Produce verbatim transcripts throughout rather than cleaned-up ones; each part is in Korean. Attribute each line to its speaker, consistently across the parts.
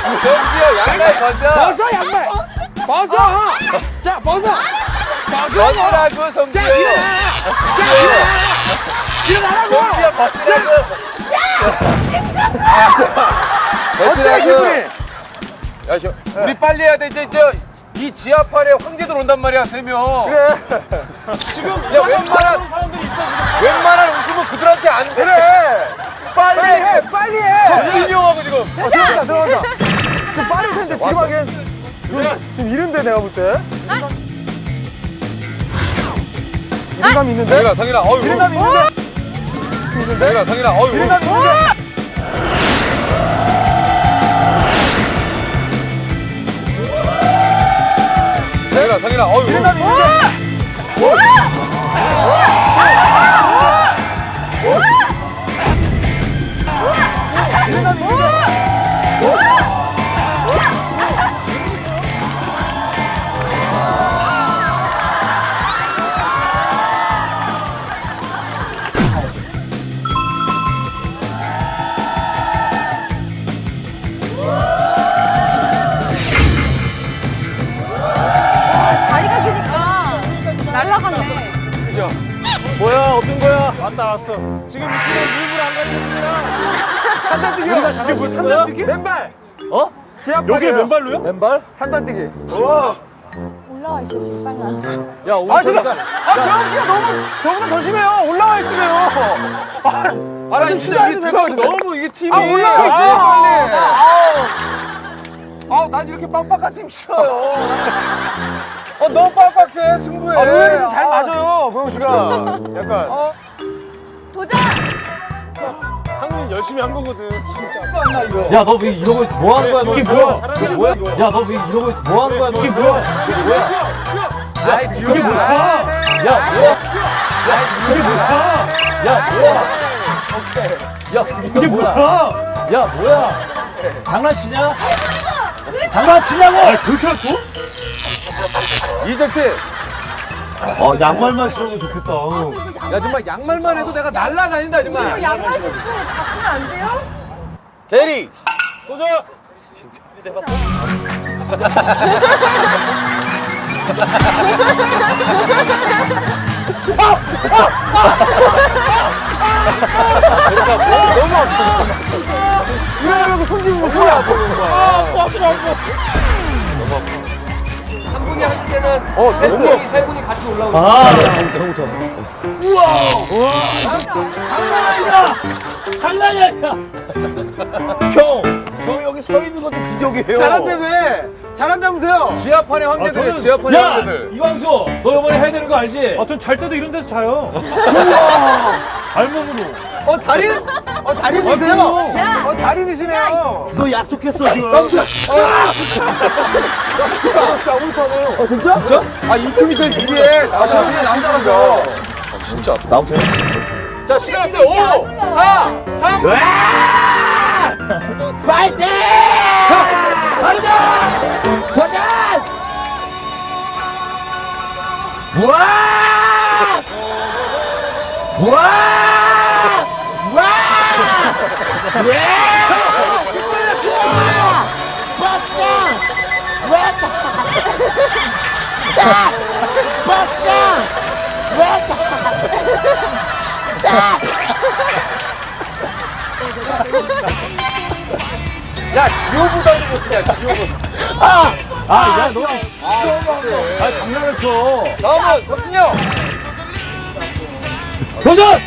Speaker 1: 정수야 양말 벗어.
Speaker 2: 벗어 양말. 벗어. 자 벗어.
Speaker 1: 벗으라고 성수야.
Speaker 2: 자 일어나. 자 일어나. 일어나라고.
Speaker 1: 정수야 벗으라고.
Speaker 2: 어때
Speaker 1: 벗으라고.
Speaker 2: 기분이?
Speaker 1: 야, 저, 우리 빨리 해야 돼. 이제 저, 이 지하판에 황제들 온단 말이야, 세 명.
Speaker 2: 그래.
Speaker 1: 지금 야 웬만한 웬만한 웃음은 그들한테 안 돼.
Speaker 2: 그래.
Speaker 1: 빨리,
Speaker 2: 빨리 해. 빨리 해.
Speaker 1: 석진이 형하고 지금.
Speaker 2: 어, 들어간다 들어간다. 좀 빠를 텐데 지금 하기엔 좀, 좀 이른데 내가 볼 때. 이른감이 있는데?
Speaker 1: 성일아, 성일아, 어유.
Speaker 2: 이른감이 있는데?
Speaker 1: 성일아, 성일아, 어유.
Speaker 2: 이른감이 있는데?
Speaker 1: 성일아, 성일아, 어유.
Speaker 2: 이른감이 있는데? 이른감이 있는데?
Speaker 3: 다리가 기니까 날아갔네.
Speaker 1: 그죠?
Speaker 2: 뭐야 어떤 거야? 왔다 왔어. 지금 이 팀은 물물 안 가리겠습니다. 산단뛰기. 우리가 잘할 수 있는 거야? 맨발. 어? 여기 맨발로요? 맨발? 산단뛰기. 우와.
Speaker 3: 올라와 있어, 빨라.
Speaker 2: 야 오늘 아 진짜. 아 경영 씨가 너무 저보다 더 심해요. 올라와 있으면. 아,
Speaker 1: 아, 나 진짜 이게 들어가기 너무 이게 팀이.
Speaker 2: 아 올라와 있어요 빨리.
Speaker 1: 아, 난 이렇게 빡빡한 팀 싫어요. 어, 너무 빡빡해, 승부해.
Speaker 2: 아 의외로 좀 잘 맞아요 경영 씨가. 약간.
Speaker 1: 어?
Speaker 3: 도전!
Speaker 2: 상민 열심히 한 거거든. 진짜.
Speaker 4: 야, 너 왜 이러고 뭐 하는 거야? 너?
Speaker 2: 이게 뭐야? 이게 뭐야?
Speaker 4: 야, 너 왜 이러고 뭐 하는 거야? 너?
Speaker 2: 이게 뭐야?
Speaker 4: 이게 뭐야?
Speaker 1: 아이,
Speaker 4: 이게
Speaker 1: 지금
Speaker 4: 뭐야? 야, 뭐야? 야, 이게 뭐야? 야, 뭐야? 야, 이게 뭐야? 야, 뭐야? 장난치냐? 장난치냐고? 아, 그렇게 할거?
Speaker 1: 이정치.
Speaker 4: 어, 양말만 신으면 좋겠다.
Speaker 1: 야, 정말 양말만 해도 내가 날라다닌다,
Speaker 3: 이거
Speaker 1: 정말.
Speaker 3: 양말 신고 박수는 안 돼요?
Speaker 1: 대리.
Speaker 2: 도전. 이러려고 손 집으면 뭐야? 아, 아파, 아파.
Speaker 1: 한 분이 할 때는
Speaker 2: 어,
Speaker 1: 세
Speaker 2: 너무
Speaker 1: 분이, 세 분이 같이 올라오고.
Speaker 4: 아,
Speaker 2: 장난 아니다.
Speaker 4: 장난이 아니야. 형, 저 여기 서 있는 것도 기적이에요.
Speaker 2: 잘한대 왜? 잘한다면서요?
Speaker 1: 지하판에 황제들이에요,
Speaker 4: 저는-
Speaker 1: 지하판에
Speaker 4: 야,
Speaker 1: 황제들.
Speaker 4: 이광수, 너 이번에 해야 되는 거 알지?
Speaker 2: 아, 전 잘 때도 이런 데서 자요.
Speaker 4: 알몸으로.
Speaker 2: 어, 다리? 어, 다리이세요? 어, 다리이시네요.
Speaker 4: 너 약속했어 지금.
Speaker 2: 어, 진짜?
Speaker 1: 진짜? 아, 이 팀이 제일 유리해.
Speaker 2: 아, 저 중에 남자라서.
Speaker 4: 진짜 나부터 해.
Speaker 1: 자, 시간 없어요. 오, 사, 삼.
Speaker 4: 파이팅! 도전! 도전! 와! 와! 와! 예! 버스! 왜다! 버스! 왜다!
Speaker 1: 야, 지호보다는 못냐, 지호보다.
Speaker 4: 아! 아, 야, 너. 아, 장난을 쳐.
Speaker 1: 다음은 석진이 형.
Speaker 4: 도전!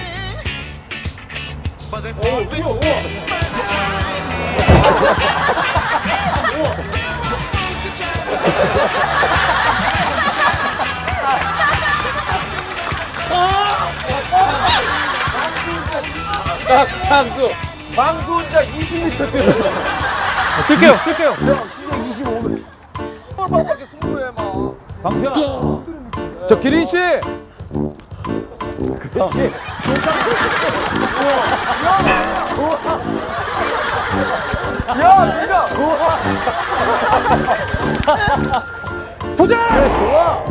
Speaker 1: 딱, 방수. 방수 혼자 이십 미터 뛰어.
Speaker 2: 뛸게요, 뛸게요.
Speaker 1: 빡빡하게 승부해, 막.
Speaker 4: 방수야.
Speaker 1: 저 기린 씨.
Speaker 4: 그렇지.
Speaker 2: 야, 내가. 좋아. 도전! 그래, 좋아.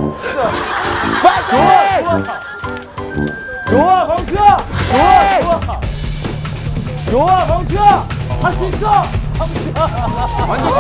Speaker 4: 파이팅! 좋아, 광수야! 좋아, 좋아! 좋아, 광수야! 할 수 있어!
Speaker 1: 완전